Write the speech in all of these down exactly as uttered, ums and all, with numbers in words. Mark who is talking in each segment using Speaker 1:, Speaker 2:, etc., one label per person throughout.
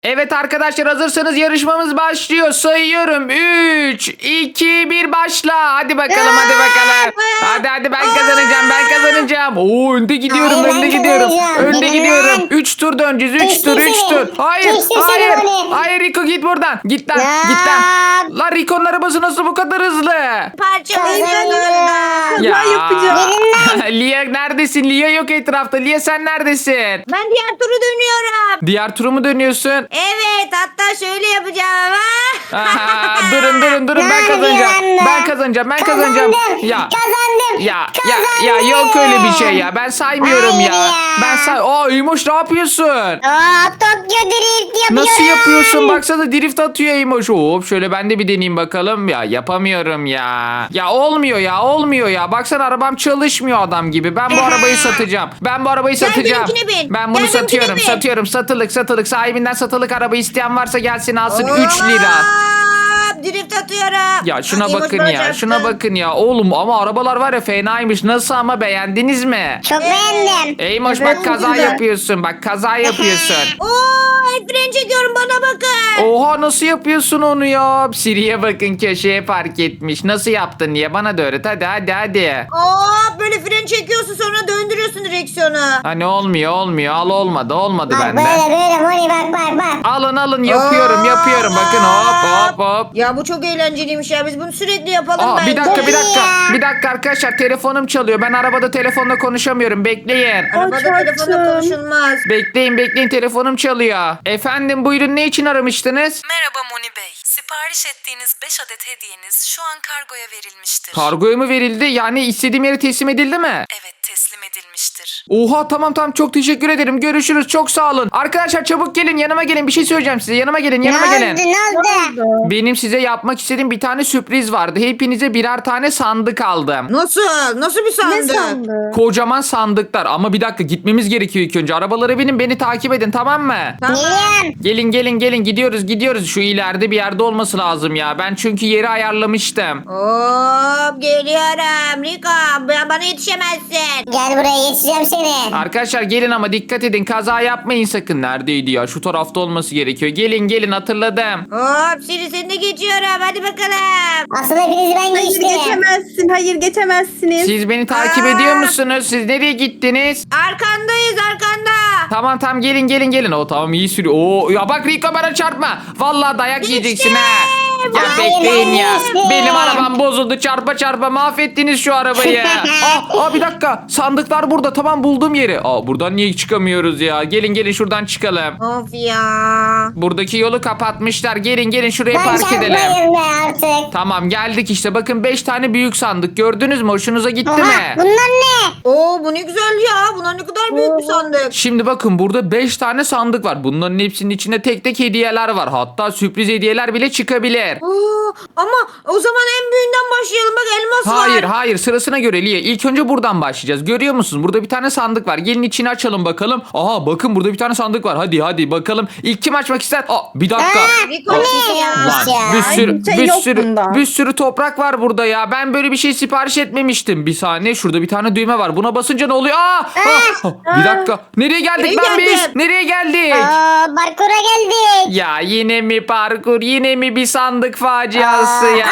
Speaker 1: Evet arkadaşlar, hazırsanız yarışmamız başlıyor. Sayıyorum. üç, iki, bir başla. Hadi bakalım, hadi bakalım. Hadi hadi, ben kazanacağım, ben kazanacağım. Oo, önde gidiyorum,
Speaker 2: Hayır,
Speaker 1: önde
Speaker 2: ben
Speaker 1: gidiyorum.
Speaker 2: kazanacağım.
Speaker 1: Önde
Speaker 2: Benim
Speaker 1: gidiyorum.
Speaker 2: lan.
Speaker 1: üç tur döneceğiz. üç
Speaker 2: Geçtim
Speaker 1: tur, üç
Speaker 2: seni.
Speaker 1: tur. Hayır,
Speaker 2: Geçtim seni
Speaker 1: hayır.
Speaker 2: Moni.
Speaker 1: Hayır Rico, git buradan. Git lan,
Speaker 2: Ya.
Speaker 1: git lan. Lan Rico'nun arabası nasıl bu kadar hızlı?
Speaker 3: Parçalayın
Speaker 2: Kazanıyorum.
Speaker 1: Ya.
Speaker 3: yapacağım.
Speaker 1: Lia neredesin? Lia yok etrafta. Lia sen neredesin?
Speaker 3: Ben diğer turu dönüyorum.
Speaker 1: Diğer turu mu dönüyorsun?
Speaker 3: Evet, hatta şöyle yapacağım.
Speaker 1: Aha, durun durun durun, ben
Speaker 2: Ne
Speaker 1: kazanacağım.
Speaker 2: yapıyorsun
Speaker 1: Ben
Speaker 2: be?
Speaker 1: kazanacağım. Ben kazanacağım.
Speaker 2: Kazandım.
Speaker 1: Ya
Speaker 2: Kazandım.
Speaker 1: ya ya
Speaker 2: Kazandım.
Speaker 1: ya yok öyle bir şey ya. Ben saymıyorum
Speaker 2: Hayır
Speaker 1: ya.
Speaker 2: ya.
Speaker 1: Ben say. Aa İmoş, ne yapıyorsun?
Speaker 2: Aa, Tokyo Drift yapıyorum.
Speaker 1: Nasıl yapıyorsun? Baksana, drift atıyor İmoş. Hop şöyle ben de bir deneyeyim bakalım. Ya yapamıyorum ya. Ya olmuyor ya, olmuyor ya. Baksana, arabam çalışmıyor adam gibi. Ben bu arabayı satacağım. Ben bu arabayı
Speaker 3: Gel
Speaker 1: satacağım.
Speaker 3: benimkine bin.
Speaker 1: Ben bunu
Speaker 3: Gel benimkine
Speaker 1: satıyorum.
Speaker 3: bin.
Speaker 1: Satıyorum. Satılık satılık. Sahibinden satılık araba isteyen varsa gelsin alsın. üç lira.
Speaker 3: Hop, drift atıyorum.
Speaker 1: Ya şuna
Speaker 3: Hadi,
Speaker 1: bakın
Speaker 3: İmoş
Speaker 1: ya,
Speaker 3: bana
Speaker 1: şuna
Speaker 3: çarptı.
Speaker 1: bakın ya. Oğlum ama arabalar var ya, fenaymış. Nasıl ama, beğendiniz mi?
Speaker 2: Çok beğendim.
Speaker 1: Eymoş
Speaker 3: Evet,
Speaker 1: bak, kaza
Speaker 3: güzel.
Speaker 1: yapıyorsun. Bak kaza yapıyorsun.
Speaker 3: Oo, el fren çekiyorum, bana bakın.
Speaker 1: Oha, nasıl yapıyorsun onu ya? Siri'ye bakın, köşeye park etmiş. Nasıl yaptın diye bana da öğret. Hadi hadi hadi.
Speaker 3: Oo, böyle fren çekiyorsun, sonra döndürüyorsun direksiyonu.
Speaker 1: Hani olmuyor olmuyor. Al, olmadı olmadı
Speaker 2: Bak
Speaker 1: bende.
Speaker 2: böyle böyle Moni, bak bak bak.
Speaker 1: Alın alın, yapıyorum
Speaker 3: Aa.
Speaker 1: yapıyorum. Bakın, hop hop hop.
Speaker 3: Ya bu çok eğlenceliymiş ya, biz bunu sürekli yapalım
Speaker 1: Aa,
Speaker 3: bence.
Speaker 1: bir dakika bir dakika.
Speaker 2: Ya.
Speaker 1: Bir dakika arkadaşlar, telefonum çalıyor. Ben arabada telefonla konuşamıyorum. Bekleyin.
Speaker 3: Arabada telefonla konuşulmaz.
Speaker 1: Bekleyin bekleyin, telefonum çalıyor. Efendim buyurun, ne için aramıştınız?
Speaker 4: Merhaba Moni Bey. Sipariş ettiğiniz beş adet hediyeniz şu an kargoya verilmiştir.
Speaker 1: Kargoya mı verildi? Yani istediğim yere teslim edildi mi?
Speaker 4: Evet, teslim edilmiştir.
Speaker 1: Oha, tamam tamam, çok teşekkür ederim. Görüşürüz, çok sağ olun. Arkadaşlar çabuk gelin, yanıma gelin, bir şey söyleyeceğim size. Yanıma gelin, yanıma
Speaker 2: ne
Speaker 1: gelin.
Speaker 2: oldu ne oldu?
Speaker 1: Benim size yapmak istediğim bir tane sürpriz vardı. Hepinize birer tane sandık aldım.
Speaker 3: Nasıl? Nasıl bir sandık?
Speaker 1: Kocaman sandıklar, ama bir dakika, gitmemiz gerekiyor ilk önce. Arabalara binin, beni takip edin, tamam mı?
Speaker 3: Tamam.
Speaker 2: Geliyorum.
Speaker 1: Gelin gelin gelin, gidiyoruz gidiyoruz. Şu ileride bir yerde olması lazım ya. Ben çünkü yeri ayarlamıştım.
Speaker 3: Hop, geliyorum. Riko, b- bana yetişemezsin.
Speaker 2: Gel buraya, geçeceğim seni.
Speaker 1: Arkadaşlar gelin ama dikkat edin, kaza yapmayın sakın. Neredeydi ya? Şu tarafta olması gerekiyor. Gelin gelin, hatırladım.
Speaker 3: Hop, Siri seni de geçiyorum. Hadi bakalım.
Speaker 2: Aslında hepinizi ben
Speaker 5: Hayır
Speaker 2: geçtim.
Speaker 5: geçemezsin. Hayır geçemezsiniz.
Speaker 1: Siz beni takip
Speaker 3: Aa!
Speaker 1: ediyor musunuz? Siz nereye gittiniz?
Speaker 3: Arkandayız, arkanda.
Speaker 1: Tamam tamam, gelin gelin gelin. O tamam, iyi sürüyor. Oo ya bak, Rico bana çarpma. Vallahi dayak yiyeceksin ha. Ya
Speaker 2: Hayır,
Speaker 1: bekleyin
Speaker 2: ben
Speaker 1: ya.
Speaker 2: geçtim.
Speaker 1: Benim arabam bozuldu, çarpa çarpa mahvettiniz şu arabayı. aa, aa bir dakika, sandıklar burada, tamam buldum yeri. Aa buradan niye çıkamıyoruz ya? Gelin gelin, şuradan çıkalım.
Speaker 3: Of ya.
Speaker 1: Buradaki yolu kapatmışlar. Gelin gelin, şuraya
Speaker 2: Ben
Speaker 1: park edelim.
Speaker 2: çarpmayın be artık.
Speaker 1: Tamam geldik işte, bakın beş tane büyük sandık, gördünüz mü? Hoşunuza gitti
Speaker 2: Oha,
Speaker 1: mi?
Speaker 2: bunlar ne?
Speaker 3: Oo, bu ne güzel ya. Bunlar ne kadar büyük bir sandık.
Speaker 1: Şimdi bakın, burada beş tane sandık var. Bunların hepsinin içinde tek tek hediyeler var. Hatta sürpriz hediyeler bile çıkabilir.
Speaker 3: Oo, ama o zaman en büyüğünden başlayalım. Bak, elmas var.
Speaker 1: Hayır hayır, sırasına göre Liye. İlk önce buradan başlayacağız. Görüyor musunuz? Burada bir tane sandık var. Gelin içini açalım bakalım. Aha bakın, burada bir tane sandık var. Hadi hadi bakalım. İlk kim açmak ister? Aa bir dakika.
Speaker 2: Aa,
Speaker 3: Rico,
Speaker 2: bu ne
Speaker 3: ya.
Speaker 2: yapmış
Speaker 1: Lan,
Speaker 2: ya?
Speaker 1: bir sürü
Speaker 5: bir şey
Speaker 1: bir
Speaker 5: yok
Speaker 1: sürü
Speaker 5: bunda.
Speaker 1: bir sürü toprak var burada ya. Ben böyle bir şey sipariş etmemiştim. Bir saniye, şurada bir tane düğme var. Buna basınca ne oluyor? Aa! Ah! Bir dakika. Nereye geldik
Speaker 3: Nereye
Speaker 1: lan biz?
Speaker 3: geldin?
Speaker 1: Nereye geldik?
Speaker 2: Aa, parkura geldik.
Speaker 1: Ya yine mi parkur, yine mi bir sandık faciası ya?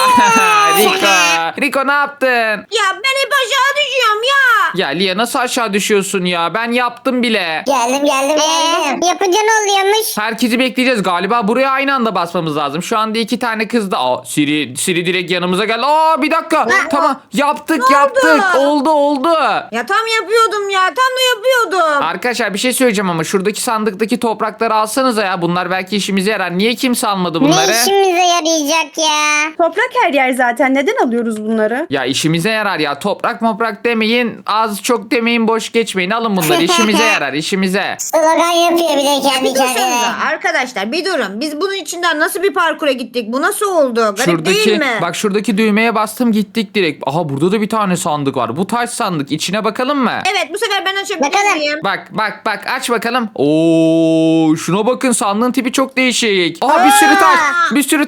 Speaker 1: Rico, Rico ne yaptın?
Speaker 3: Ya ben hep aşağı düşüyorum ya.
Speaker 1: Ya Lia, nasıl aşağı düşüyorsun ya? Ben yaptım bile.
Speaker 2: Geldim geldim geldim. Yapınca ne oluyormuş?
Speaker 1: Herkesi bekleyeceğiz galiba. Buraya aynı anda basmamız lazım. Şu anda iki tane kız da... Aa, Siri, Siri direkt yanımıza geldi. Aa bir dakika. Tamam yaptık
Speaker 3: Ne
Speaker 1: yaptık.
Speaker 3: oldu?
Speaker 1: Oldu oldu.
Speaker 3: Ya tam yapıyordum ya. Tam da yapıyordum.
Speaker 1: Arkadaşlar bir şey söyleyeceğim ama şuradaki sandıktaki toprakları alsanıza ya. Bunlar belki işimize yarar. Niye kimse almadı bunları?
Speaker 2: Ne işimize yarayacak ya?
Speaker 5: Toprak her yer zaten. Neden alıyoruz bunları?
Speaker 1: Ya işimize yarar ya. Toprak moprak demeyin. Az çok demeyin. Boş geçmeyin. Alın bunları. İşimize yarar. işimize.
Speaker 2: Slogan yapıyor bir de kendi
Speaker 3: Bir dursanıza
Speaker 2: kendine.
Speaker 3: arkadaşlar, bir durun. Biz bunun içinden nasıl bir parkura gittik? Bu nasıl oldu? Garip değil
Speaker 1: Şuradaki
Speaker 3: mi?
Speaker 1: bak, şuradaki düğmeye bastım, gittik direkt. Aha burada da bir tane sandık var. Bu taş sandık. İçine bakalım mı?
Speaker 3: Evet, bu sefer ben açabilir
Speaker 2: Bakalım.
Speaker 3: miyim?
Speaker 1: Bak bak bak, aç bakalım. Oo şuna bakın, sandığın tipi çok değişik. Aa bir sürü taş. Bir sürü taş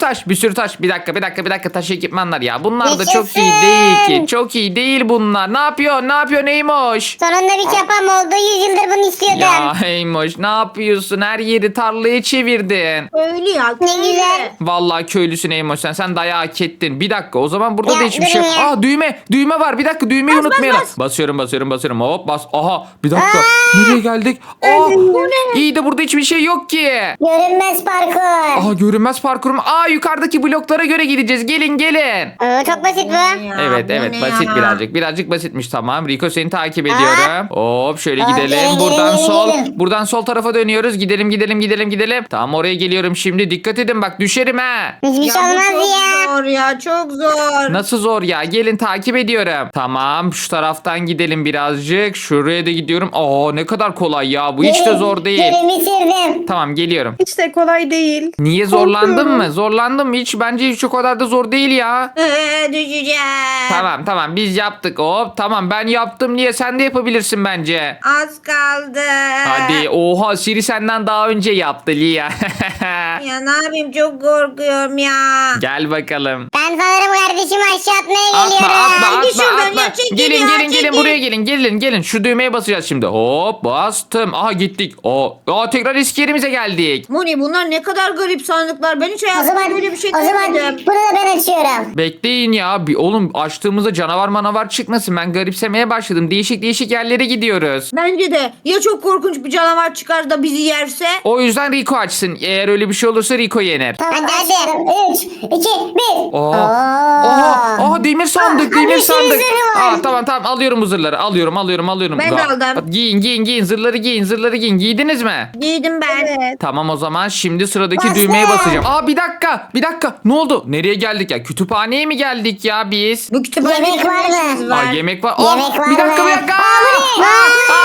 Speaker 1: taş bir sürü taş. Bir dakika bir dakika bir dakika taş ekipmanlar ya. Bunlar da çok
Speaker 2: Yaşasın.
Speaker 1: iyi değil ki. Çok iyi değil bunlar. Ne yapıyor? Ne yapıyor Neymoş?
Speaker 2: Sonunda bir çapam oldu. yüz yıldır bunu istiyordum.
Speaker 1: Ya Eymoş ne yapıyorsun? Her yeri tarlaya çevirdin.
Speaker 3: Öyle ya.
Speaker 2: Ne
Speaker 3: köylü.
Speaker 2: güzel.
Speaker 1: Vallahi köylüsün Eymoş sen. Sen dayağı hak ettin. Bir dakika o zaman burada
Speaker 2: Ya,
Speaker 1: da hiçbir şey yok.
Speaker 2: durun ya.
Speaker 1: Aa düğme. Düğme var. Bir dakika düğmeyi
Speaker 3: Bas, bas,
Speaker 1: unutmayalım.
Speaker 3: bas.
Speaker 1: Basıyorum basıyorum basıyorum. Hop bas. Aha bir dakika. Nereye geldik? Aa, iyi de burada hiçbir şey yok ki.
Speaker 2: Görünmez parkur.
Speaker 1: Aha görünmez parkur mu? Aa yukarıdaki bloklara göre gideceğiz. Gelin gelin.
Speaker 2: Oo, çok basit bu.
Speaker 3: Ya,
Speaker 1: Evet
Speaker 3: bu
Speaker 1: evet
Speaker 3: ne
Speaker 1: basit
Speaker 3: ya?
Speaker 1: birazcık. Birazcık basitmiş tamam. Rico seni takip ediyorum. Hop şöyle
Speaker 2: Aa,
Speaker 1: gidelim.
Speaker 2: gelin,
Speaker 1: Buradan
Speaker 2: gelin,
Speaker 1: sol.
Speaker 2: gelin.
Speaker 1: Buradan sol tarafa dönüyoruz. Gidelim gidelim gidelim gidelim. Tamam oraya geliyorum şimdi. Dikkat edin bak düşerim ha.
Speaker 2: Hiçbir
Speaker 3: Ya
Speaker 2: şey
Speaker 3: bu
Speaker 2: olmaz
Speaker 3: çok
Speaker 2: ya.
Speaker 3: zor ya çok zor.
Speaker 1: Nasıl zor ya? Gelin takip ediyorum. Tamam şu taraftan gidelim birazcık. Şuraya da gidiyorum. Aa ne kadar kolay ya. Bu hiç de
Speaker 2: Gelin,
Speaker 1: zor değil.
Speaker 2: Gelin bitirdim.
Speaker 1: Tamam geliyorum.
Speaker 5: Hiç de kolay değil.
Speaker 1: Niye zorlandın
Speaker 5: Korkuyorum.
Speaker 1: mı? Zorlandın mı? Hiç bence hiç o kadar da zor değil ya.
Speaker 3: Ee, düşeceğim.
Speaker 1: Tamam tamam biz yaptık. Hop tamam ben yaptım diye sen de yapabilirsin bence.
Speaker 3: Az kaldı.
Speaker 1: Hadi oha Siri senden daha önce yaptı Lia.
Speaker 3: Ya ne yapayım çok korkuyorum ya.
Speaker 1: Gel bakalım.
Speaker 2: Ben sanırım kardeşimi aşağı atmaya
Speaker 1: Atma
Speaker 2: geliyorum.
Speaker 1: atma
Speaker 3: Hadi
Speaker 1: atma
Speaker 3: şuradan
Speaker 1: atma.
Speaker 3: ya, çekil
Speaker 1: Gelin
Speaker 3: ya,
Speaker 1: gelin gelin
Speaker 3: çekil.
Speaker 1: buraya gelin gelin gelin. Şu düğmeye basacağız şimdi. Hop bastım. Aha gittik. Aa, aa tekrar eski yerimize geldik.
Speaker 3: Moni bunlar ne kadar garip sandıklar. Ben hiç
Speaker 2: O
Speaker 3: hayatımda
Speaker 2: zaman,
Speaker 3: böyle bir şey
Speaker 2: o zaman
Speaker 3: görmedim.
Speaker 2: bunu da ben açıyorum.
Speaker 1: Bekleyin ya. Bir, oğlum açtığımızda canavar manavar çıkmasın. Ben garipsemeye başladım. Değişik değişik yerlere gidiyoruz.
Speaker 3: Bence de ya çok korkunç bir canavar çıkar da bizi yerse.
Speaker 1: O yüzden Rico açsın. Eğer öyle bir şey olursa Rico yener.
Speaker 2: Tamam
Speaker 3: Hadi,
Speaker 2: hadi. üç, iki, bir.
Speaker 1: Aa, aha, aha demir sandık,
Speaker 2: Aa,
Speaker 1: demir
Speaker 2: bir sürü
Speaker 1: sandık.
Speaker 2: zırhı var.
Speaker 1: Aa, tamam tamam alıyorum bu zırhları. Alıyorum, alıyorum, alıyorum.
Speaker 3: Ben de
Speaker 1: Aa,
Speaker 3: aldım.
Speaker 1: Giyin, giyin, giyin. Zırhları giyin, zırhları giyin. Giydiniz mi?
Speaker 3: Giydim ben.
Speaker 5: Evet.
Speaker 1: Tamam o zaman şimdi sıradaki
Speaker 2: Bastım.
Speaker 1: düğmeye basacağım. Aa bir dakika, bir dakika. Ne oldu? Nereye geldik ya? Kütüphaneye mi geldik ya biz?
Speaker 3: Bu kütüphanede
Speaker 2: Yemek var mı?
Speaker 3: ne işiniz
Speaker 1: Aa
Speaker 3: var?
Speaker 1: yemek var. Aa,
Speaker 2: Yemek var
Speaker 1: bir dakika,
Speaker 2: mı?
Speaker 1: bir dakika.
Speaker 2: Aa, bu ne?
Speaker 1: Aa,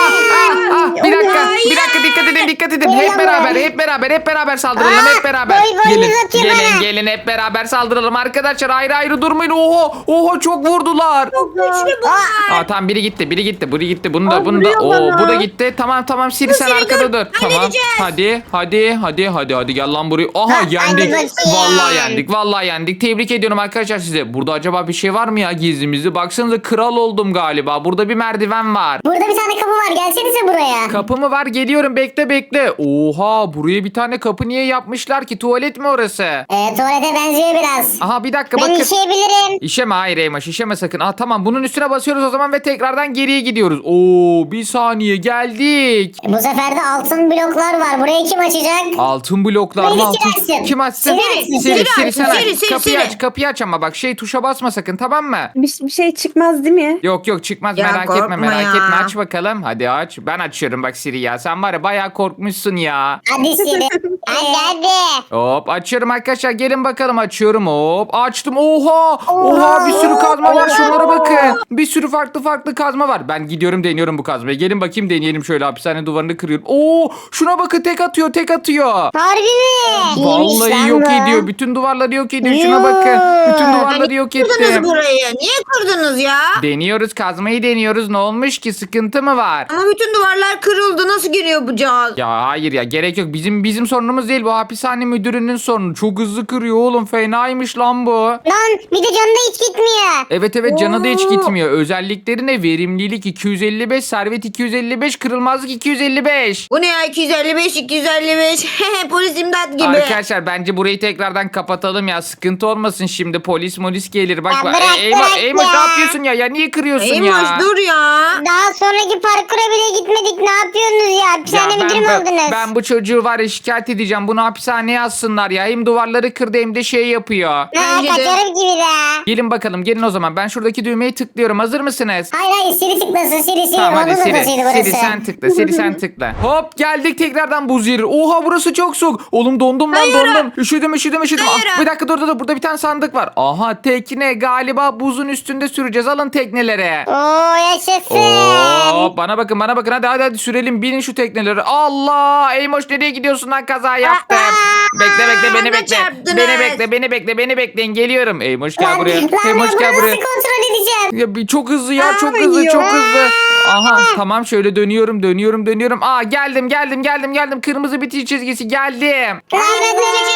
Speaker 1: aa, aa, bir dakika,
Speaker 3: Hayır.
Speaker 1: bir dakika dikkat edin, dikkat edin.
Speaker 2: Gel
Speaker 1: Hep
Speaker 2: lan
Speaker 1: beraber,
Speaker 2: buraya.
Speaker 1: hep beraber, hep beraber saldıralım,
Speaker 2: Aa,
Speaker 1: hep beraber.
Speaker 2: boy boy
Speaker 1: Gelin,
Speaker 2: uzatıyor
Speaker 1: gelin,
Speaker 2: bana.
Speaker 1: gelin hep beraber saldıralım arkadaşlar. Ayrı ayrı durmayın. Oho, oho çok vurdular.
Speaker 3: Çok güçlü bunlar.
Speaker 1: Aa tamam biri gitti, biri gitti, biri gitti. Bunu da,
Speaker 5: Aa,
Speaker 1: bunu da.
Speaker 5: vuruyor
Speaker 1: Oo
Speaker 5: bana.
Speaker 1: bu da gitti. Tamam tamam Siri sen
Speaker 3: Siri,
Speaker 1: arkada
Speaker 3: dur.
Speaker 1: dur. Tamam.
Speaker 3: Halledeceğiz.
Speaker 1: Hadi, hadi, hadi, hadi, hadi gel lan buraya. Aha
Speaker 2: Ha,
Speaker 1: yendik.
Speaker 2: hadi bakayım.
Speaker 1: Vallahi yendik, vallahi yendik. Tebrik ediyorum arkadaşlar size. Burada acaba bir şey var mı ya gizlimizde? Baksanıza kral oldum galiba. Burada bir merdiven var.
Speaker 2: Burada bir tane kapı var. Gelsenize buraya.
Speaker 1: Kapı mı var? Geliyorum bekle bekle. Oha buraya bir tane kapı niye yapmışlar ki? Tuvalet mi orası?
Speaker 2: Ee, tuvalete benziyor biraz.
Speaker 1: Aha bir dakika
Speaker 2: Ben
Speaker 1: bakın.
Speaker 2: işeyebilirim.
Speaker 1: İşeme hayır Eymaş işeme sakın. Aa tamam bunun üstüne basıyoruz o zaman ve tekrardan geriye gidiyoruz. Oo bir saniye geldik.
Speaker 2: Bu sefer de altın bloklar var. Burayı kim açacak?
Speaker 1: Altın bloklar mı
Speaker 2: Beni
Speaker 1: altın?
Speaker 2: Siri açsın.
Speaker 1: Kim açsın?
Speaker 2: Siri açsın,
Speaker 1: Siri,
Speaker 3: Siri
Speaker 1: Siri,
Speaker 3: açsın,
Speaker 1: sen aç.
Speaker 3: Siri, Siri,
Speaker 1: Kapıyı
Speaker 3: Siri.
Speaker 1: aç kapıyı aç ama bak şey tuşa basma sakın tamam mı?
Speaker 5: Bir, bir şey çıkmaz değil mi?
Speaker 1: Yok yok çıkmaz
Speaker 3: Ya
Speaker 1: merak etme
Speaker 3: korkma
Speaker 1: merak
Speaker 3: ya.
Speaker 1: etme aç bakalım. Hadi aç. Ben açıyorum bak Siri ya. Sen var ya bayağı korkmuşsun ya.
Speaker 2: Hadi Siri. hadi hadi.
Speaker 1: Hop açıyorum arkadaşlar gelin bakalım açıyorum hop açtım oha oha bir sürü kazma var şunlara bakın bir sürü farklı farklı kazma var ben gidiyorum deniyorum bu kazmayı gelin bakayım deneyelim şöyle hapishane duvarını kırıyorum oo şuna bakın tek atıyor tek atıyor
Speaker 2: Harbi mi? İyiymiş
Speaker 1: vallahi
Speaker 2: lan
Speaker 1: yok
Speaker 2: bu.
Speaker 1: ediyor bütün duvarları yok ediyor şuna
Speaker 2: Yoo.
Speaker 1: bakın bütün duvarları yok
Speaker 3: Kırdınız
Speaker 1: ettim
Speaker 3: burayı. Niye kırdınız ya?
Speaker 1: deniyoruz kazmayı deniyoruz ne olmuş ki sıkıntı mı var
Speaker 3: Ama bütün duvarlar kırıldı. Nasıl giriyor bu cihaz?
Speaker 1: ya hayır ya gerek yok bizim bizim sorunumuz değil bu hapishane müdürünün sorunu çok hızlı kırıyor oğlum fenaymış lan bu.
Speaker 2: Lan bir de canı da hiç gitmiyor.
Speaker 1: Evet evet canı da hiç
Speaker 3: Oo.
Speaker 1: gitmiyor. Özellikleri ne? Verimlilik iki yüz elli beş, servet iki yüz elli beş, kırılmazlık iki yüz elli beş.
Speaker 3: Bu ne ya? iki yüz elli beş, iki yüz elli beş. Polis imdat gibi.
Speaker 1: Arkadaşlar bence burayı tekrardan kapatalım ya. Sıkıntı olmasın şimdi. Polis molis gelir. Bak
Speaker 2: Ya
Speaker 1: bak.
Speaker 2: bırak,
Speaker 1: Ey- Eymoş,
Speaker 2: bırak
Speaker 1: Eymoş
Speaker 2: ya.
Speaker 1: ne yapıyorsun ya? Ya niye kırıyorsun
Speaker 3: Eymoş
Speaker 1: ya?
Speaker 3: dur ya.
Speaker 2: Daha sonraki parkura bile gitmedik. Ne yapıyorsunuz ya?
Speaker 1: Ya
Speaker 2: Hapishane
Speaker 1: ben,
Speaker 2: müdürü mü
Speaker 1: ben,
Speaker 2: oldunuz?
Speaker 1: ben bu çocuğu var ya şikayet edeceğim. Bunu hapishaneye assınlar ya. Hem duvarları kırdı hem de şey yapıyor.
Speaker 2: Ha,
Speaker 3: Bence de.
Speaker 2: kaçarım gibi de.
Speaker 1: Gelin bakalım gelin o zaman. Ben şuradaki düğmeyi tıklıyorum. Hazır mısınız?
Speaker 2: Hayır hayır Siri tıklasın Siri Siri.
Speaker 1: Tamam hadi
Speaker 2: Onun
Speaker 1: Siri.
Speaker 2: odasıydı burası.
Speaker 1: Siri sen tıkla. Siri sen tıkla. Hop geldik tekrardan buz yeri. Oha burası çok soğuk. Oğlum dondum lan
Speaker 3: Hayır.
Speaker 1: dondum. Üşüdüm üşüdüm üşüdüm.
Speaker 3: Hayır.
Speaker 1: Ah, bir dakika dur dur dur. Burada bir tane sandık var. Aha tekne galiba buzun üstünde süreceğiz. Alın teknelere.
Speaker 2: Oo yaşasın.
Speaker 1: Hop bana bakın bana bakın hadi hadi hadi sürelim binin şu tekneleri. Allah Eymoş nereye gidiyorsun lan kaza yaptım. Bekle bekle beni
Speaker 3: bana
Speaker 1: bekle.
Speaker 3: çarptınız.
Speaker 1: Beni bekle beni bekle beni bekleyin geliyorum. Eymoş gel
Speaker 2: Lan,
Speaker 1: buraya.
Speaker 2: lan ben
Speaker 1: Eymoş
Speaker 2: bunu
Speaker 1: gel
Speaker 2: nasıl
Speaker 1: buraya.
Speaker 2: kontrol edeceğim?
Speaker 1: Ya bir çok hızlı ya
Speaker 5: Aa,
Speaker 1: çok hızlı
Speaker 5: yiyor.
Speaker 1: çok hızlı. Aha tamam şöyle dönüyorum dönüyorum dönüyorum. Aa geldim geldim geldim geldim. Kırmızı bitiş çizgisi geldim.
Speaker 2: Aa, ben de geldim.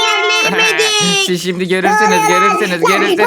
Speaker 3: Yemedik.
Speaker 1: Siz şimdi görürsünüz, görürsünüz, görürsünüz.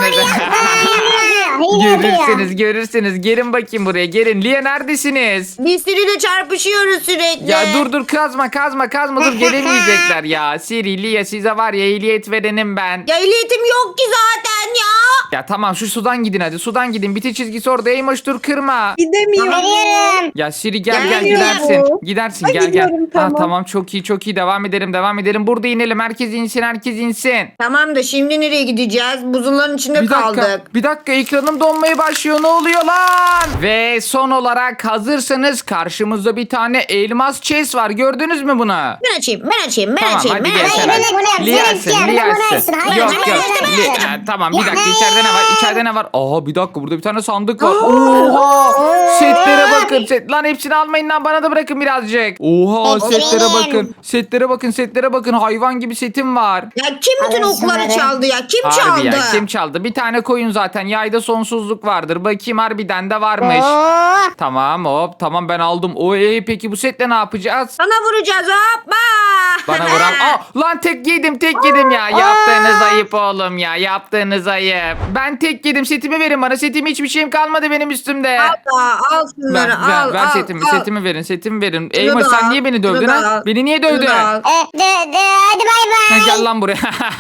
Speaker 2: Hile yapıyor.
Speaker 1: görürsünüz, görürsünüz. Gelin bakayım buraya, gelin. Lia neredesiniz?
Speaker 3: Biz seninle çarpışıyoruz sürekli.
Speaker 1: Ya dur dur kazma kazma kazma dur gelemeyecekler ya. Siri, Lia size var ya ehliyet verenim ben.
Speaker 3: Ya ehliyetim yok ki zaten ya.
Speaker 1: Ya tamam şu sudan gidin hadi sudan gidin. Biti çizgisi orada Eymoş dur kırma.
Speaker 5: Gidemiyorum.
Speaker 2: Veriyorum.
Speaker 1: Ya Siri gel gel
Speaker 3: Gelmiyorum.
Speaker 1: gidersin. Gidersin
Speaker 5: Ay,
Speaker 1: gel gel.
Speaker 5: gidiyorum,
Speaker 1: Ha,
Speaker 5: tamam.
Speaker 1: tamam çok iyi çok iyi devam edelim devam edelim. Burada inelim herkes insin herkes insin.
Speaker 3: Tamam da şimdi nereye gideceğiz? Buzulların içinde
Speaker 1: Bir dakika,
Speaker 3: kaldık.
Speaker 1: bir dakika ekranım donmaya başlıyor. Ne oluyor lan? Ve son olarak hazırsanız karşımızda bir tane elmas chest var. Gördünüz mü bunu?
Speaker 3: Ben açayım, ben açayım, ben
Speaker 1: Tamam
Speaker 3: açayım.
Speaker 1: hadi
Speaker 3: ben
Speaker 1: gel
Speaker 3: açayım.
Speaker 1: sen.
Speaker 2: Hayır, bunu yap,
Speaker 1: Lia
Speaker 2: sen
Speaker 1: açsın,
Speaker 2: yap,
Speaker 1: Lia
Speaker 2: bunu
Speaker 1: açsın.
Speaker 2: açsın. Hayır,
Speaker 1: Yok
Speaker 2: hayır,
Speaker 1: yok.
Speaker 2: hayır,
Speaker 1: Li-
Speaker 2: hayır.
Speaker 1: Ha, tamam bir
Speaker 2: Ya,
Speaker 1: dakika
Speaker 2: hayır.
Speaker 1: içeride ne var? İçeride ne var? Aa bir dakika burada bir tane sandık var. Oha! Setlere bakın. Set. Lan hepsini almayın lan bana da bırakın birazcık. Oha
Speaker 2: Hepsi
Speaker 1: setlere
Speaker 2: benim.
Speaker 1: bakın. Setlere bakın setlere bakın. Hayvan gibi setim var.
Speaker 3: Ya kim bütün
Speaker 2: Alın
Speaker 3: okları
Speaker 2: şunları.
Speaker 3: çaldı ya? Kim
Speaker 1: Harbi
Speaker 3: çaldı?
Speaker 1: ya kim çaldı? Bir tane koyun zaten. Yayda sonsuzluk vardır. Bakayım harbiden de varmış.
Speaker 2: Oo.
Speaker 1: Tamam hop tamam ben aldım. O e, peki bu setle ne yapacağız?
Speaker 3: Sana vuracağız hoppa.
Speaker 1: Bana vuran. Aa, lan tek yedim tek yedim ya. Yaptığınız ayıp oğlum ya. Yaptığınız ayıp. Ben tek yedim. Setimi verin bana. Setimi hiçbir şeyim kalmadı benim üstümde.
Speaker 3: Al, al şunları
Speaker 1: Ver, ver,
Speaker 3: al,
Speaker 1: ver
Speaker 3: al,
Speaker 1: setimi.
Speaker 3: al.
Speaker 1: Setimi verin. Setimi verin.
Speaker 3: Şunu
Speaker 1: Eymoş
Speaker 3: da
Speaker 1: sen
Speaker 3: al,
Speaker 1: niye beni
Speaker 3: şunu
Speaker 1: dövdün
Speaker 3: da
Speaker 1: ha?
Speaker 3: al,
Speaker 1: Beni niye
Speaker 3: şunu
Speaker 1: dövdün?
Speaker 3: da al.
Speaker 2: E, de, de, hadi bay
Speaker 1: Ha,
Speaker 2: bay.
Speaker 1: Gel lan buraya.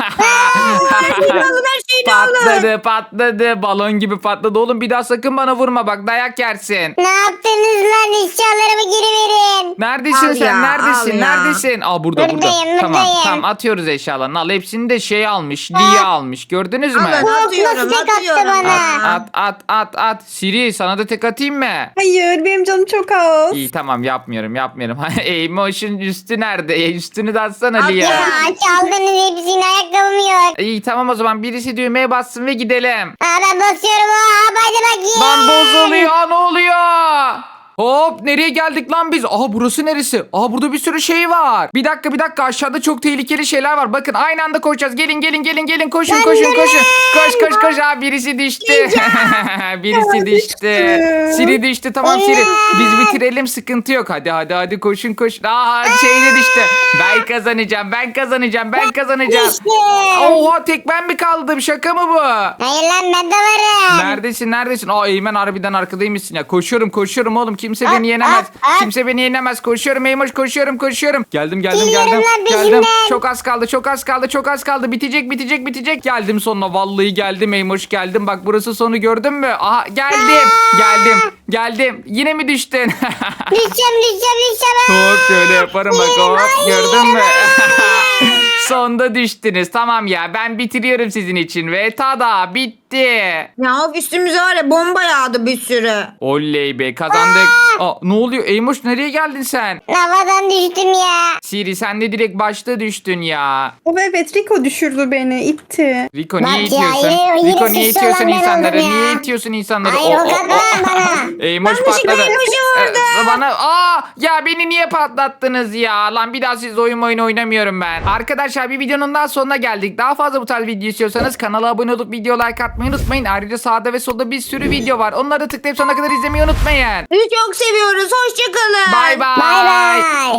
Speaker 3: Her şeyini alın, her şeyini alın.
Speaker 1: patladı patladı. Balon gibi patladı. Oğlum bir daha sakın bana vurma bak dayak yersin.
Speaker 2: Ne yaptınız lan? Eşyalarımı geri verin.
Speaker 1: Neredesin
Speaker 3: Al
Speaker 1: sen?
Speaker 3: ya,
Speaker 1: Neredesin?
Speaker 3: al ya.
Speaker 1: Neredesin? Aa burada burada.
Speaker 2: Buradayım,
Speaker 1: Tamam
Speaker 2: buradayım.
Speaker 1: tamam atıyoruz eşyalarını. Al hepsini de şey almış. Lia almış. Gördünüz mü?
Speaker 3: Alın,
Speaker 2: Korkma,
Speaker 3: atıyorum,
Speaker 2: tek attı
Speaker 3: atıyorum.
Speaker 2: bana.
Speaker 1: At at at at. Siri sana da tek atayım mı?
Speaker 5: Hayır benim canım çok az.
Speaker 1: İyi tamam yapmıyorum yapmıyorum. Emotion üstü nerede? E, üstünü de atsana
Speaker 3: At
Speaker 1: Lia.
Speaker 3: ya.
Speaker 2: Ya çaldınız hepsini, ayakkabım yok.
Speaker 1: İyi tamam o zaman birisi düğmeye bassın ve gidelim.
Speaker 2: Aa, ben basıyorum. Aa, hadi bakayım.
Speaker 1: Lan bozuluyor ne oluyor? Hop nereye geldik lan biz? Aha burası neresi? Aha burada bir sürü şey var. Bir dakika bir dakika aşağıda çok tehlikeli şeyler var. Bakın aynı anda koşacağız. Gelin gelin gelin gelin koşun koşun koşun. Koş koş koş. Aa birisi düştü. birisi düştü. Siri düştü tamam Siri. Biz bitirelim sıkıntı yok. Hadi hadi hadi koşun koşun. Aa şey de düştü. Ben kazanacağım ben kazanacağım ben kazanacağım.
Speaker 2: İşte.
Speaker 1: Oha tek ben mi kaldım? Şaka mı bu?
Speaker 2: Hayır lan, ben de varım.
Speaker 1: Neredesin neredesin? Aa Eymen harbiden arkadaymışsın ya. Koşuyorum koşuyorum oğlum. Kimse
Speaker 2: Aa,
Speaker 1: beni yenemez.
Speaker 2: aa, aa.
Speaker 1: Kimse beni yenemez. Koşuyorum Eymoş koşuyorum koşuyorum. Geldim geldim
Speaker 2: Geliyorum
Speaker 1: geldim.
Speaker 2: lan
Speaker 1: Geldim.
Speaker 2: peşimden.
Speaker 1: Çok az kaldı çok az kaldı çok az kaldı. Bitecek bitecek bitecek. Geldim sonuna vallahi geldim Eymoş geldim. Bak burası sonu gördün mü? Aha geldim. Geldim. Geldim. Yine mi düştün?
Speaker 2: Düşeceğim düşeceğim düşeceğim.
Speaker 1: Hop şöyle yaparım bak hop gördün mü? Sonda düştünüz. Tamam ya ben bitiriyorum sizin için ve tada bitti.
Speaker 3: Ya of, üstümüze var ya bomba yağdı bir sürü.
Speaker 1: Oley be kazandık. Aa, ne oluyor Eymoş nereye geldin sen?
Speaker 2: Havadan düştüm ya.
Speaker 1: Siri sen de direkt başta düştün ya.
Speaker 5: O evet Rico düşürdü beni itti.
Speaker 1: Rico
Speaker 2: Bak
Speaker 1: niye
Speaker 2: ya,
Speaker 1: itiyorsun?
Speaker 2: yine- yine
Speaker 1: Rico niye
Speaker 2: suçlu
Speaker 1: itiyorsun
Speaker 2: olan ben
Speaker 1: insanları?
Speaker 2: oldum ya.
Speaker 1: Niye itiyorsun insanları?
Speaker 2: Hayır,
Speaker 1: O-
Speaker 2: o
Speaker 1: o-
Speaker 2: kadar
Speaker 1: o-
Speaker 2: bana.
Speaker 1: Eymoş
Speaker 3: Yanlışlıkla
Speaker 1: patladı.
Speaker 3: Eymoş'u vurdu.
Speaker 1: Ee, Bana aa ya beni niye patlattınız ya? Lan bir daha siz oyun oyun oynamıyorum ben. Arkadaşlar bir videonun daha sonuna geldik. Daha fazla bu tarz video istiyorsanız kanala abone olup video like atmayı unutmayın. Ayrıca sağda ve solda bir sürü video var. Onları tıklayıp sonuna kadar izlemeyi unutmayın.
Speaker 3: Sizi çok seviyoruz. Hoşçakalın.
Speaker 1: Bye bye.
Speaker 2: Bay bay.